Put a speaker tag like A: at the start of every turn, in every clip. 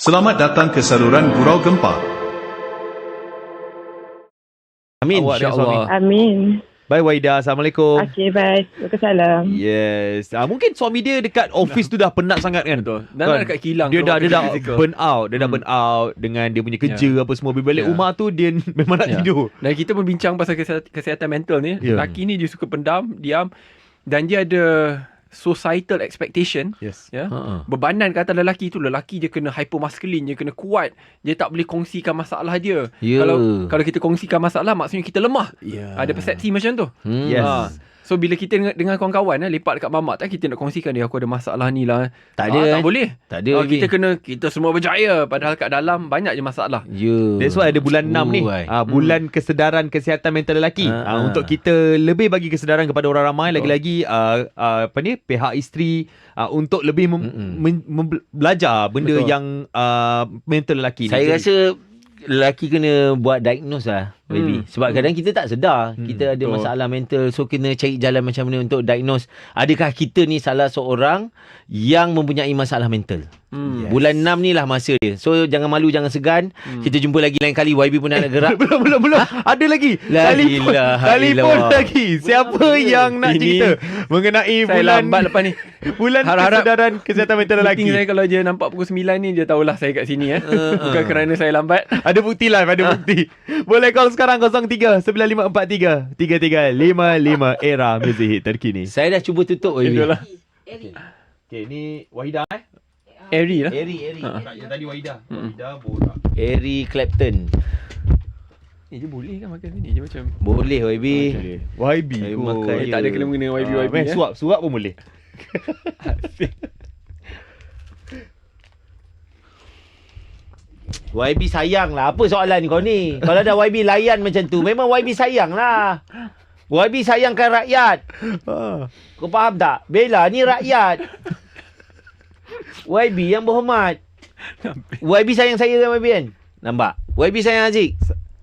A: Selamat datang ke saluran Gurau Gempa.
B: Amin.
C: Awak dan
B: InsyaAllah.
C: suami.
D: Amin.
B: Bye Waida. Assalamualaikum.
D: Okey, baik. Waalaikumsalam.
B: Yes. Mungkin suami dia dekat office tu dah penat sangat kan?
C: Betul. Dan
B: Kan?
C: nak dekat kilang.
B: Dia dah
C: physical.
B: burn out. Dia dah burn out dengan dia punya kerja apa semua. Bila balik rumah tu dia memang nak tidur.
C: Dan kita pun bincang pasal kesihatan mental ni.
B: Ya.
C: Lelaki ni dia suka pendam, diam. Dan dia ada societal expectation.
B: Yes.
C: Ya. Bebanan kata lelaki tu, lelaki dia kena hypermasculine, dia kena kuat. Dia tak boleh kongsikan masalah dia.
B: Ya.
C: Kalau kita kongsikan masalah, maksudnya kita lemah.
B: Ya.
C: Ada persepsi macam tu.
B: Yes.
C: So bila kita dengan kawan-kawan lepak dekat mamak kita nak kongsikan dia, aku ada masalah ni lah.
B: Tak ada,
C: tak boleh.
B: Tak ada.
C: Kita semua berjaya, padahal kat dalam banyak je masalah.
B: Ya. That's why ada bulan 6 ni. Bulan kesedaran kesihatan mental lelaki. Untuk kita lebih bagi kesedaran kepada orang ramai, lagi-lagi pihak isteri untuk lebih belajar benda
C: Betul.
B: yang mental lelaki ni.
E: Saya rasa lelaki kena buat diagnose lah, baby. Sebab kadang kita tak sedar kita ada
C: betul.
E: masalah mental. So kena cari jalan macam mana untuk diagnose. Adakah kita ni salah seorang yang mempunyai masalah mental? Bulan 6 ni lah masa dia. So jangan malu, jangan segan. Kita jumpa lagi lain kali. YB pun nak gerak.
B: Belum. Ada lagi.
E: La
B: Telefon
E: ilaha illallah.
B: lagi. Siapa yang nak
C: Ini
B: cerita mengenai
C: Saya
B: bulan
C: lambat lepas ni.
B: bulan
C: Harap-harap
B: kesedaran kesihatan mental lelaki.
C: Meeting saya kalau dia nampak pukul 9 ni, dia tahulah saya kat sini. Bukan kerana saya lambat.
B: Ada bukti live, ada bukti. Boleh call sekarang 03-9543-3355 era music hit terkini.
E: Saya dah cuba tutup, YB.
C: Itulah.
B: Okay, ni Wahida
C: Airy lah.
E: Eri.
B: Yang tadi Wahida. Wahida borak.
E: Eric Clapton.
C: Dia boleh kan makan sini? Dia macam
E: Boleh, YB.
B: YB
E: Saya
B: kot.
E: makan
C: tak ada kena mengena YB.
B: Suap pun boleh.
E: YB sayang lah. Apa soalan kau ni? Kalau ada YB layan macam tu, memang YB sayang lah. YB sayangkan rakyat. Kau faham tak? Bella ni rakyat. YB yang berhormat. YB sayang saya kan, YB kan? Nampak? YB sayang Aziz.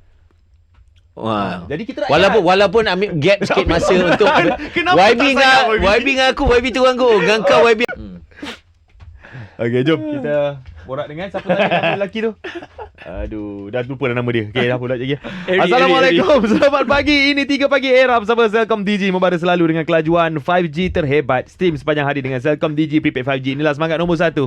E: Wah.
B: Jadi kita rakyat.
E: Walaupun ambil gap sikit masa untuk
B: Kenapa
E: YB
B: tak sayang
E: YB dengan aku, YB turun aku. Dengan kau YB.
B: Okay, jom kita borak dengan siapa tadi nama lelaki tu. Aduh, dah lupa dah nama dia. Okay, dah pula lagi. Assalamualaikum. Selamat pagi. Ini 3 Pagi Era bersama Celcom Digi, membara selalu dengan kelajuan 5G terhebat. Stream sepanjang hari dengan Celcom Digi Prepaid 5G. Inilah semangat nombor 1.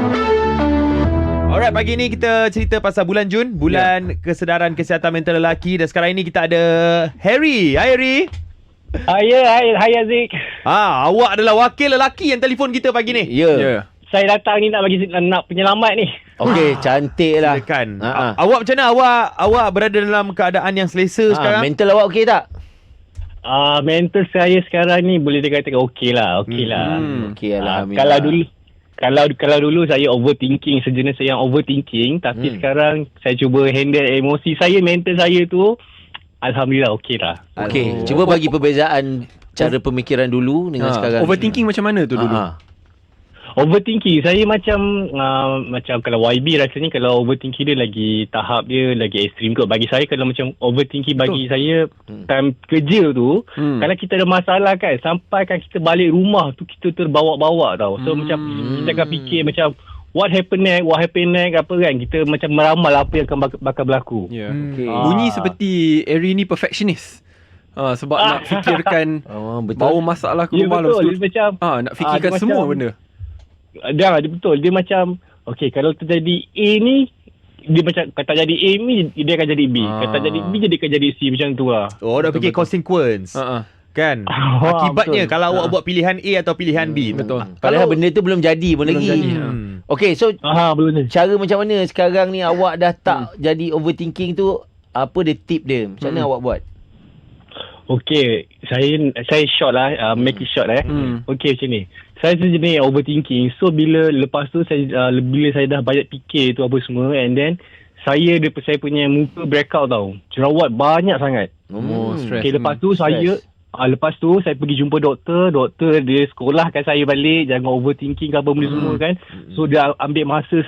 B: Alright, pagi ni kita cerita pasal bulan Jun, bulan kesedaran kesihatan mental lelaki, dan sekarang ini kita ada Harry. Hai Harry.
F: Hai Aziz.
B: Awak adalah wakil lelaki yang telefon kita pagi ni.
E: Ya.
F: Saya datang ni nak penyelamat ni.
E: Okey, cantik lah.
B: Silakan. Awak macam mana? Awak berada dalam keadaan yang selesa sekarang?
E: Mental awak okey tak?
F: Mental saya sekarang ni boleh dikatakan okey lah. Okey lah.
E: Okey, alhamdulillah.
F: Kalau dulu saya overthinking, sejenis yang overthinking, tapi sekarang saya cuba handle emosi saya, mental saya tu alhamdulillah okey lah.
E: Okey, cuba bagi perbezaan cara pemikiran dulu dengan sekarang.
C: Overthinking macam mana tu dulu?
F: Overthinking saya macam kalau YB rasanya kalau overthinking dia lagi tahap dia lagi ekstrim kot. Bagi saya kalau macam overthinking bagi saya time kerja tu, kalau kita ada masalah kan, sampai kan kita balik rumah tu kita terbawa-bawa tau. So macam kita akan fikir macam what happen next apa kan, kita macam meramal apa yang akan bakal berlaku.
C: Ya.
E: Okay.
C: Bunyi seperti Airy ni perfectionist. Sebab nak fikirkan bawa masalah ke rumah
F: betul.
C: lepas tu.
F: Dia macam
C: Nak fikirkan semua
F: macam,
C: benda.
F: Dia betul. Dia macam okey, kalau terjadi A ni, dia macam kata jadi A ni dia akan jadi B. Kata jadi B dia akan jadi C, macam tu lah.
B: Oh, dah fikir consequence. Kan? Akibatnya
F: betul.
B: kalau awak buat pilihan A atau pilihan B.
C: Betul.
E: Padahal benda tu belum jadi pun lagi. Okey, so
F: Belum.
E: cara macam mana sekarang ni awak dah tak jadi overthinking tu? Apa dia tip dia? Macam mana awak buat?
F: Okey, saya short lah, make it short Okey, macam ni. Saya sejenis overthinking. So lepas tu bila saya dah banyak fikir tu apa semua, and then saya punya muka breakout tau. Jerawat banyak sangat.
C: Stress.
F: Okey, lepas tu saya pergi jumpa doktor dia sekolahkan saya balik, jangan overthinking ke apa benda semua kan. So dia ambil masa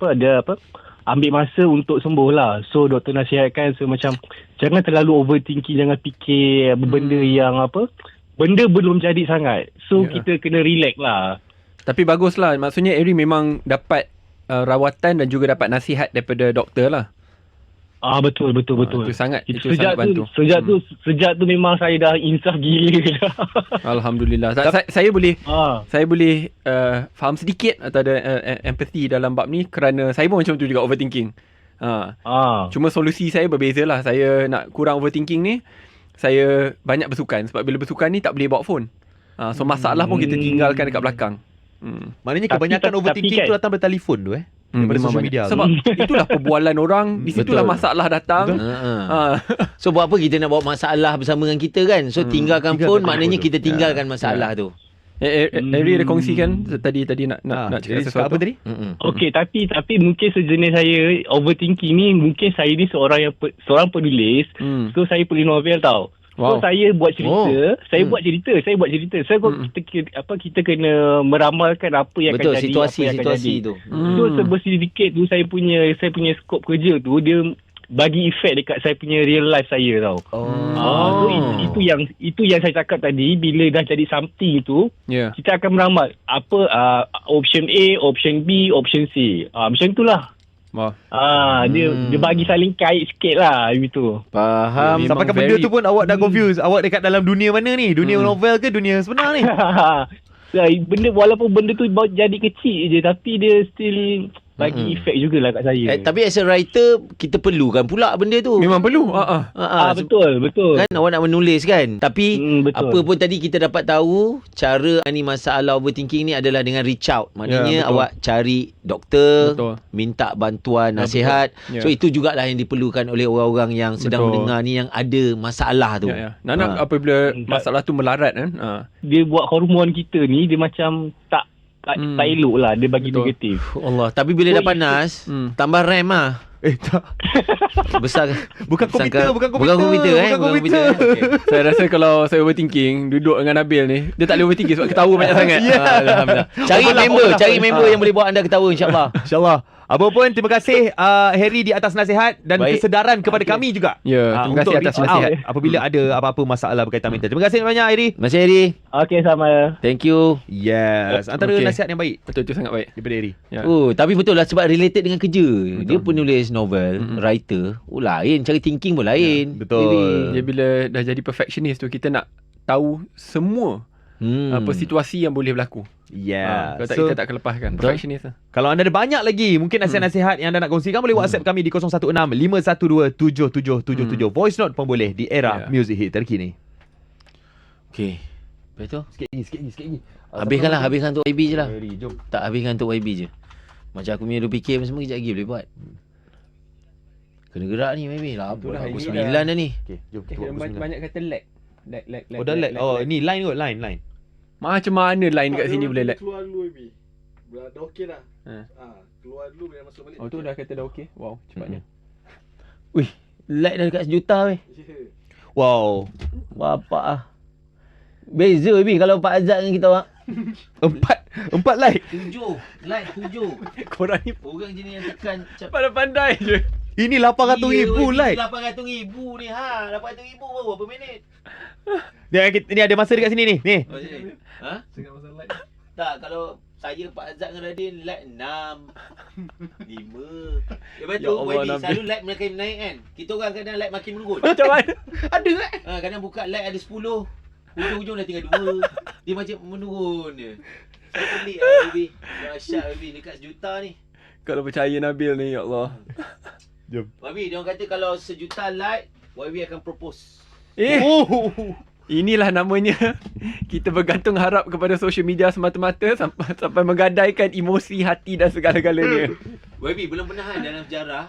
F: ambil masa untuk sembuh lah. So doktor nasihatkan macam jangan terlalu overthinking, jangan fikir benda yang benda belum jadi sangat. So kita kena relax lah.
C: Tapi baguslah. Maksudnya Airy memang dapat rawatan dan juga dapat nasihat daripada doktor lah.
F: Betul.
C: Itu sangat bantu.
F: Sejak tu memang saya dah insaf gila dah.
C: Alhamdulillah. Saya boleh faham sedikit atau ada empathy dalam bab ni kerana saya pun macam tu juga, overthinking. Cuma solusi saya berbeza lah. Saya nak kurang overthinking ni, saya banyak bersukan. Sebab bila bersukan ni tak boleh bawa phone. So masalah pun kita tinggalkan dekat belakang.
B: Maknanya kebanyakan overthinking tu datang dari telefon tu daripada social media.
C: Sebab itulah perbualan orang, di situlah masalah datang.
E: So buat apa kita nak bawa masalah bersama dengan kita kan? So tinggalkan phone, maknanya kita tinggalkan masalah tu.
C: Eri ada kongsikan tadi nak cakap sesuatu
B: apa tadi?
F: Okey, tapi mungkin sejenis saya overthinking ni, mungkin saya ni seorang penulis. So saya penulis novel tau. So saya buat cerita, saya buat cerita. So kita kena meramalkan apa yang akan jadi,
E: situasi tu.
F: So sedikit tu saya punya skop kerja tu dia bagi efek dekat saya punya real life saya tau. So itu yang saya cakap tadi, bila dah jadi something tu, kita akan meramal apa option A, option B, option C. Macam itulah. Dia bagi saling kait sikit lah gitu.
B: Faham. Sampai ke benda tu pun awak dah confused. Awak dekat dalam dunia mana ni? Dunia novel ke dunia sebenar ni?
F: Walaupun benda tu jadi kecil je, tapi dia still bagi efek jugalah kat saya.
E: Tapi as a writer, kita perlukan pula benda tu.
C: Memang perlu.
F: Betul.
E: Kan awak nak menulis kan. Tapi
F: betul.
E: apa pun tadi kita dapat tahu, cara ni masalah overthinking ni adalah dengan reach out. Maknanya awak cari doktor, minta bantuan, nasihat. So itu jugalah yang diperlukan oleh orang-orang yang sedang mendengar ni, yang ada masalah tu.
C: Nak apabila masalah tu melarat kan.
F: Dia buat hormon kita ni, dia macam tak elok lah, dia bagi negatif.
E: Allah. Tapi bila dah panas, tambah RAM lah.
B: Tak.
E: Besar.
B: Bukan komputer.
E: Okay.
C: Saya rasa kalau saya overthinking, duduk dengan Nabil ni, dia tak boleh overthinking sebab ketawa banyak sangat.
E: Alhamdulillah. Cari member yang boleh buat anda ketawa, insyaAllah.
B: InsyaAllah. Apa pun, terima kasih Harry di atas nasihat dan kesedaran kepada kami juga.
C: Terima kasih atas nasihat.
B: Apabila ada apa-apa masalah berkaitan mental. Terima kasih banyak Harry.
E: Terima kasih Harry.
F: Okey, sama.
E: Thank you.
B: Yes. Antara nasihat yang baik.
C: Betul, itu sangat baik
B: daripada Harry.
E: Tapi betul lah, sebab related dengan kerja. Dia penulis novel, writer. Lain, cara thinking pun lain.
B: Betul.
C: Dia bila dah jadi perfectionist tu, kita nak tahu semua apa situasi yang boleh berlaku. Kalau tak, kita tak akan lepaskan perfectionist lah.
B: Kalau anda ada banyak lagi mungkin nasihat-nasihat yang anda nak kongsikan, boleh WhatsApp kami di 016-512-7777. Voice note pun boleh di era music hit terkini.
E: Okay. Betul?
B: Sikit lagi.
E: Habiskan untuk YB je lah.
B: Jom.
E: Tak, habiskan untuk YB je. Macam aku punya fikir semua, kejap lagi boleh buat. Kena gerak ni YB lah. Pukul 9 dah ni.
B: Okay, jom.
C: Banyak kata lag.
B: Dah lag. Ni line kot, line.
C: Macam mana line kat sini boleh lag?
D: Keluar dulu Amy. Dah okey dah. Keluar dulu bila masuk balik.
C: Tu dah kata dah okey. Wow, cepatnya.
E: Wih, lag dah dekat 1 juta weh.
B: Wow.
E: Bapak beza Bi kalau Pak Azad dengan kita orang.
B: 4 like.
E: 7 like 7.
C: Korang ni
E: Orang jenis yang tekan
C: pandai je.
B: Ini 800,000 like.
E: 800,000 ni 800,000 baru berapa minit?
B: Ni ada masa dekat sini ni. Ni.
D: Tengah masa like.
E: Tak, kalau saya Pak Azad dengan Radin like 6 5. Lepas tu YB selalu like makin naik kan. Kita orang kadang like makin menurun.
C: Macam mana? Ada
E: kadang buka like ada 10. Hujung-hujung dah tinggal 2. Dia macam menurun je. Saya pelik lah YB. Dahsyat YB dekat 1 juta ni.
C: Kalau percaya Nabil ni, ya Allah.
B: Jom.
E: YB, dia orang kata kalau 1 juta like, YB akan propose.
C: Inilah namanya kita bergantung harap kepada social media semata-mata sampai menggadaikan emosi, hati dan segala-galanya.
E: YB belum pernah kan dalam sejarah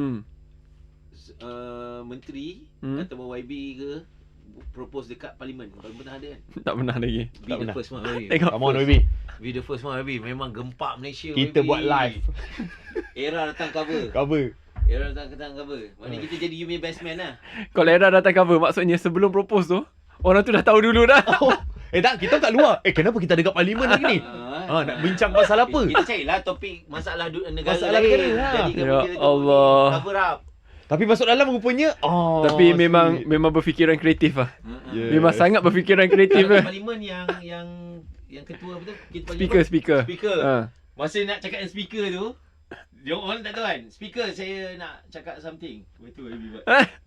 E: menteri atau YB ke propose dekat parlimen. Belum pernah ada kan?
C: Tak pernah lagi.
E: Be the first one YB.
C: Tengok.
B: Come on YB.
E: Be the first one YB. Memang gempak Malaysia
B: Kita
E: YB.
B: buat live.
E: Era datang cover. Era datang cover. Maknanya kita jadi you punya best man lah.
C: Kalau Era datang cover, maksudnya sebelum propose tu, orang tu dah tahu dulu dah.
B: Tak, kita kat luar. Kenapa kita ada kat parlimen lagi ni? Nak bincang pasal apa?
E: Kita carilah topik masalah negara
B: Masalah
E: lain.
B: negara,
E: Jadikan
C: Ya
E: benda tu
C: Allah.
E: cover up.
B: Tapi masuk dalam rupanya
C: Tapi memang berfikiran kreatif lah. Memang sangat berfikiran kreatif
E: Kalau
C: lah.
E: parlimen yang ketua apa tu? Kita
C: Speaker.
E: Masa nak cakap dengan speaker tu, Jom on tak tuan. Speaker saya nak cakap something. Betul YB buat.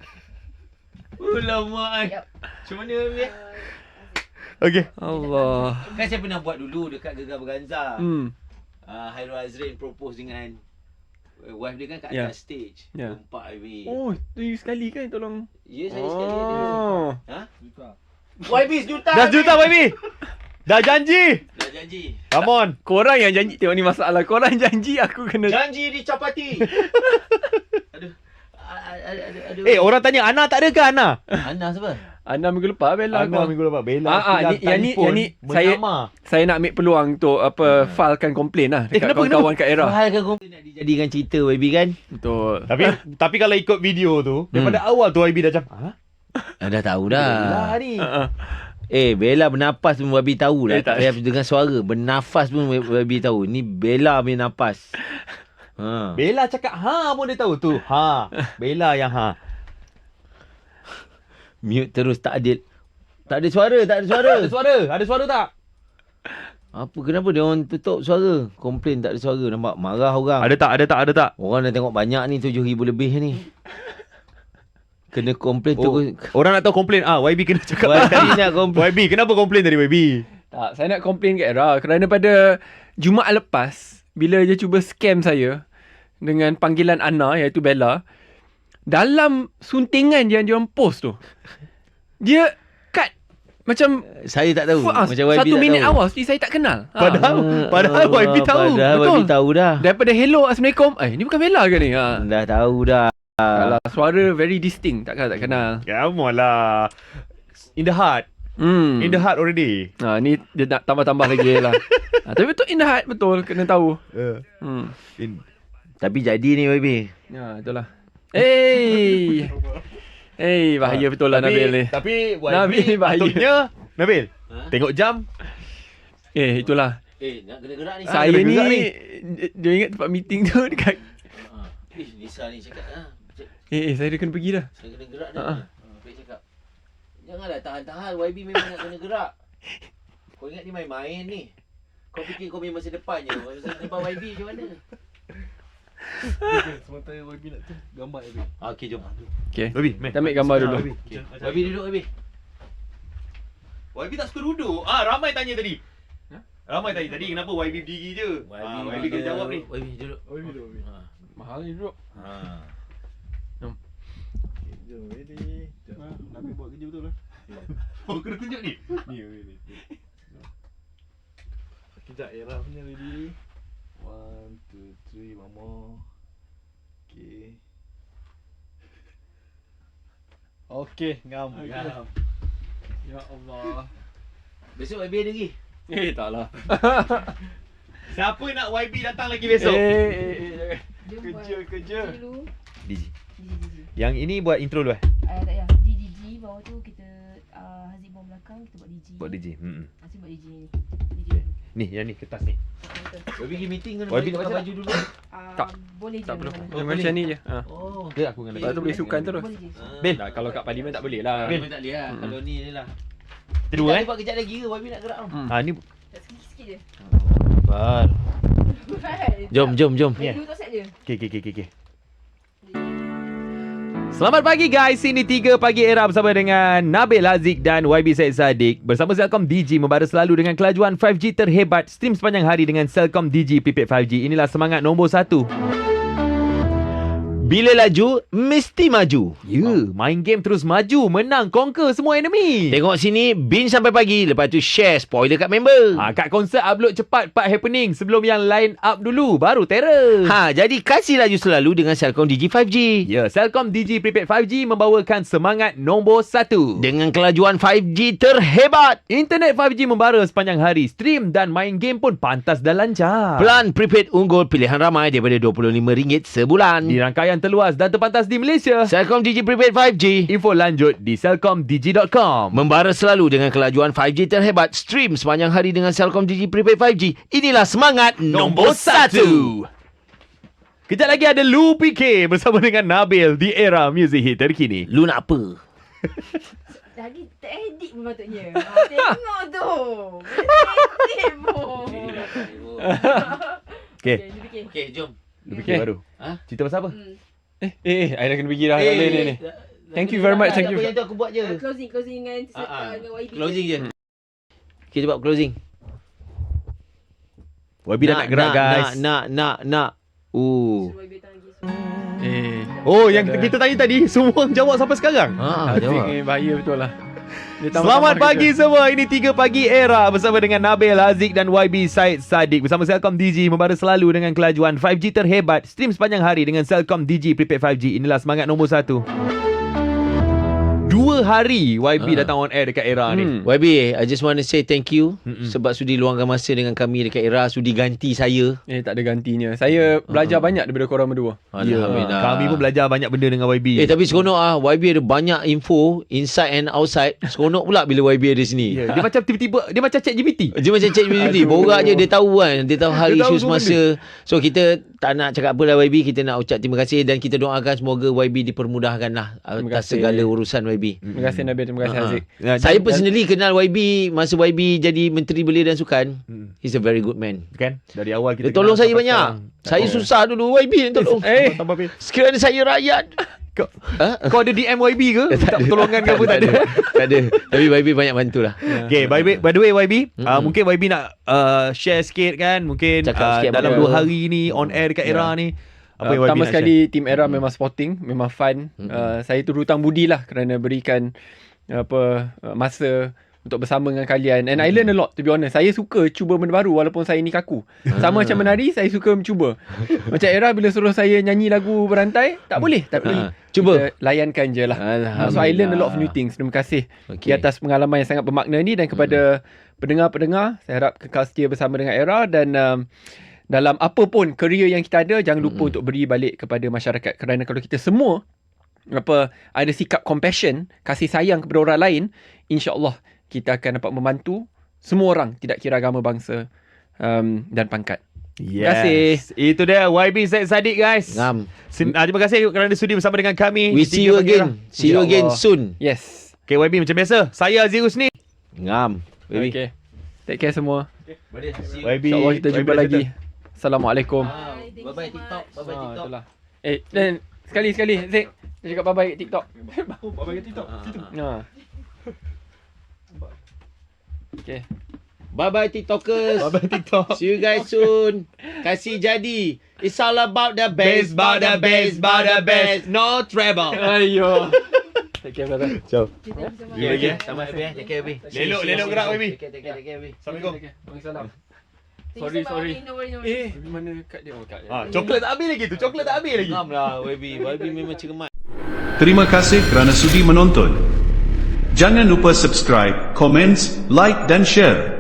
E: Alamak.
G: Yep.
E: Macam mana YB?
B: Okay.
C: Allah.
E: Kan saya pernah buat dulu dekat Gegar Berganza.
C: Hmm.
E: Hairul Azrin propose dengan wife dia kan kat
C: Ya.
E: atas stage.
C: Ya.
E: Empat YB.
C: Oh, tu you sekali kan tolong.
E: Ya saya sekali ada.
C: Oh.
E: Ha?
D: Juta.
E: YB sejuta.
B: Dah juta YB. Dah janji.
E: Dah janji.
B: Come on.
C: Korang yang janji. Tengok ni masalah. Korang janji aku kena.
E: Janji dicapati. Aduh. Aduh.
B: Orang tanya Ana tak ada ke Ana?
E: Ana siapa?
C: Ana minggu lepas Bella
B: Ana
C: aku.
B: minggu lepas. Bella.
C: yang ni saya nak ambil peluang untuk filekan komplain lah dekat
B: kenapa,
C: kawan-kawan kat Era.
E: Kan kau nak dijadikan cerita YB kan?
C: Betul.
B: Tapi kalau ikut video tu, daripada awal tu YB dah macam,
E: Dah tahu dah.
B: Bella ni.
E: Bella bernafas pun YB tahu lah.
C: tak.
E: Tak payah dengan suara. Bernafas pun YB tahu. Ni Bella punya nafas.
B: Bella cakap pun dia tahu tu. Bella yang
E: Mute terus tak adil. Tak ada suara.
B: Ada suara tak?
E: Apa kenapa dia orang tutup suara? Komplain tak ada suara. Nampak marah orang.
B: Ada tak?
E: Orang dah tengok banyak ni 7,000 lebih ni. Kena komplain terus.
B: Orang nak tahu komplain. YB kena cakap.
E: YB nak komplain.
B: YB, kenapa komplain tadi YB?
C: Tak, saya nak komplain kat Era kerana pada Jumaat lepas bila dia cuba scam saya dengan panggilan Ana iaitu Bella, dalam suntingan yang dia orang post tu, dia cut macam
E: Saya tak tahu. Macam YB
C: 1 minit
E: tak tahu.
C: awal seperti saya tak kenal.
B: Padahal YB tahu.
E: Padahal
C: Betul.
E: YB tahu dah.
C: Daripada hello assalamualaikum, ni bukan Bella ke ni?
E: Dah tahu dah.
C: Kalau suara very distinct, takkan tak kenal.
B: Come on lah. In the heart. In the heart already.
C: Ni dia nak tambah-tambah lagi lah. Tapi betul in the heart, betul, kena tahu.
E: Tapi jadi ni YB.
C: Ya, itulah. Bahaya betul lah Nabil ni.
B: Tapi YB
C: Nabil ni bahaya.
B: patutnya, Nabil, tengok jam.
C: Itulah.
E: Nak kena gerak ni.
C: Saya
B: kena
C: ni,
B: gerak ni.
C: dia ingat tempat meeting tu dekat.
E: Nisa ni cakap
C: Saya dah kena pergi dah.
E: saya kena gerak dah. Baik cakap. Janganlah tahan-tahan. YB memang nak kena gerak. Kau ingat ni main-main ni. Kau fikir kau punya masa depan je. Masa depan YB macam mana?
D: Sementara YB nak tu gambar YB.
E: Okey, jom.
C: Okay.
B: YB,
C: Kita ambil gambar dulu.
E: YB duduk YB.
B: YB tak suka duduk. Ramai tanya tadi. Ramai tadi kenapa YB berdiri je? YB kena jawab ni.
E: YB duduk.
D: YB duduk YB.
C: Mahal ni duduk.
D: Jom ready. Nabi buat kerja betul lah.
B: Kena tunjuk ni.
D: Ni ready. Sekejap Era punya ready. 1, 2, 3 one more. Okay. Okay, ngam.
C: Ya Allah.
E: Besok YB ada lagi.
C: Taklah.
B: Siapa nak YB datang lagi besok?
D: Kerja.
G: Dulu.
B: DJ.
G: DJ.
B: Yang ini buat intro dulu
G: Tak payah. DJ bawah tu kita Haziq bawah belakang kita buat DJ.
B: Buat DJ.
G: Haziq buat DJ ni. DJ dulu.
B: Ni, yang ni kertas ni.
G: Betul.
E: YB pergi meeting kena
B: YB
E: pakai
B: nak
E: baju dulu.
C: Tak.
G: Boleh je.
C: Tak perlu.
G: mana-mana.
C: Yang macam ni je.
E: Oh.
B: Okay, aku dengan
C: Lepas tu boleh sukan terus.
G: Boleh je.
B: Bil.
C: Kalau kat parlimen tak boleh lah.
E: Bil tak boleh lah. Kalau ni lah.
B: Kedua
E: Kita buat kejap lagi ke YB nak gerak tau.
B: Ni
G: Tak sikit-sikit je.
E: Bar. Jom.
G: Dulu tak set je.
B: Okay. Selamat pagi guys, ini 3 Pagi Era bersama dengan Nabil Haziq dan YB Syed Saddiq. Bersama Celcom Digi membara selalu dengan kelajuan 5G terhebat. Stream sepanjang hari dengan Celcom Digi Prepaid 5G. Inilah semangat nombor 1.
E: Bila laju, mesti maju.
B: Main game terus maju, menang, conquer semua enemy.
E: Tengok sini, binge sampai pagi. Lepas tu share spoiler kat member.
B: Kat konsert upload cepat part happening sebelum yang line up dulu, baru terror.
E: Jadi kasih laju selalu dengan Celcom Digi 5G.
B: Ya, Celcom Digi Prepaid 5G membawakan semangat nombor 1.
E: Dengan kelajuan 5G terhebat.
B: Internet 5G membara sepanjang hari. Stream dan main game pun pantas dan lancar.
E: Plan prepaid unggul pilihan ramai daripada RM25 sebulan.
B: Di rangkaian terluas dan terpantas di Malaysia.
E: Celcom Digi Prepaid 5G.
B: Info lanjut di celcomdigi.com.
E: Membara selalu dengan kelajuan 5G terhebat. Stream sepanjang hari dengan Celcom Digi Prepaid 5G. Inilah semangat nombor 1.
B: Kejap lagi ada Lu PK bersama dengan Nabil di Era Music Hit terkini.
E: Lu nak apa?
G: Lagi tak edit pun patutnya. Tengok tu. Boleh edit pun.
B: Okay.
G: Dia fikir.
E: Okey, jom.
B: Dia fikir
C: Okay.
B: baru.
E: Ha?
B: Cerita pasal apa?
C: I dah kena pergi dah. Tak boleh ni. Thank you very much. Thank you.
E: Yang tu aku buat je.
G: Closing dengan dengan YB.
E: Closing je. Okay, buat closing.
B: YB dah nak gerak guys.
E: Nak.
G: Suruh YB datang lagi.
B: Oh, yang kita tanya tadi semua orang jawab sampai sekarang.
E: Ha,
C: Azik
E: jawab.
C: ni bahaya betul lah. Dia
B: Selamat
C: tambah-tambah
B: pagi
C: kita.
B: semua. Ini 3 Pagi Era bersama dengan Nabil, Haziq dan YB Syed Saddiq. Bersama Celcom Digi membara selalu dengan kelajuan 5G terhebat. Stream sepanjang hari dengan Celcom Digi Prepaid 5G. Inilah semangat nombor 1. 2 hari YB datang on air dekat Era ni.
E: YB, I just want to say thank you sebab sudi luangkan masa dengan kami dekat Era, sudi ganti saya.
C: Tak ada gantinya. Saya belajar banyak daripada korang berdua.
E: Alhamdulillah.
B: Kami pun belajar banyak benda dengan YB.
E: Tapi seronok YB ada banyak info inside and outside. Seronok pula bila YB ada sini.
B: Dia macam tiba-tiba dia macam ChatGPT.
E: Dia macam cek beauty. Borak je dia tahu kan. Dia tahu hal
B: Dia tahu
E: isu
B: semua
E: semasa. So kita tak nak cakap apa lah YB. Kita nak ucap terima kasih dan kita doakan semoga YB dipermudahkan lah atas
C: kasih.
E: segala urusan YB.
C: Terima kasih Nabil. Terima kasih Haziq.
E: Saya personally kenal YB masa YB jadi Menteri Belia dan Sukan. He's a very good man.
B: Kan? Dari awal kita
E: Dia tolong
B: kenal
E: saya
B: sampai
E: banyak.
B: sekarang.
E: Saya susah dulu YB yang tolong.
B: Tambah bil.
E: Sekiranya saya rakyat.
B: Kau ada DM YB ke? Tak pertolongan ke apa? Tak ada.
E: Tak ada. Tapi YB banyak bantulah.
B: Okay, by the way YB, mungkin YB nak share sikit kan, mungkin
E: Cakap sikit
B: dalam
E: apa.
B: 2 hari ni on air dekat Era ni. Apa yang YB
C: Pertama
B: nak
C: sekali Team Era memang sporting, memang fun. Saya tu hutang budi lah kerana berikan masa untuk bersama dengan kalian. And I learn a lot, to be honest. Saya suka cuba benda baru walaupun saya ni kaku. Sama macam menari, saya suka mencuba. Macam Era bila suruh saya nyanyi lagu berantai, tak boleh. Tapi
E: Cuba.
C: kita layankan je lah. So I learn a lot of new things. Terima kasih di atas pengalaman yang sangat bermakna ni. Dan kepada pendengar-pendengar, saya harap kekal setia bersama dengan Era. Dan dalam apa pun career yang kita ada, jangan lupa untuk beri balik kepada masyarakat. Kerana kalau kita semua ada sikap compassion, kasih sayang kepada orang lain, insya-Allah kita akan dapat membantu semua orang, tidak kira agama, bangsa dan pangkat. Terima kasih.
B: Itu dia YB Syed Saddiq guys.
E: Ngam.
B: Terima kasih kerana sudi bersama dengan kami.
E: We see you again. See you again soon.
C: Yes.
B: Okay YB, macam biasa, saya Aziz Husni.
E: Ngam. Baby.
C: Okay. Take care semua.
B: YB,
C: InsyaAllah kita jumpa
B: YB
C: lagi. Assalamualaikum.
E: Bye-bye TikTok. Bye-bye TikTok.
C: Itulah. Dan sekali Zik, dia cakap bye-bye kat TikTok.
B: Bye-bye kat TikTok. Situ.
C: Okay.
E: Bye-bye TikTokers.
B: Bye-bye TikTok.
E: See you guys soon. Kasih jadi. It's all about the bass,
B: no treble.
C: Ayo. Take care brother.
B: Ciao.
E: Okay. Sama Abi. Take care Abi.
B: Lelok gerak YB.
E: Take care Abi.
B: Assalamualaikum.
C: Waalaikumsalam.
G: Sorry.
C: Mana kad dia? Kad dia.
B: Coklat tak habis lagi tu. Coklat tak habis lagi.
E: Ngam lah YB. YB memang cermat.
A: Terima kasih kerana sudi menonton. Jangan lupa subscribe, komen, like dan share.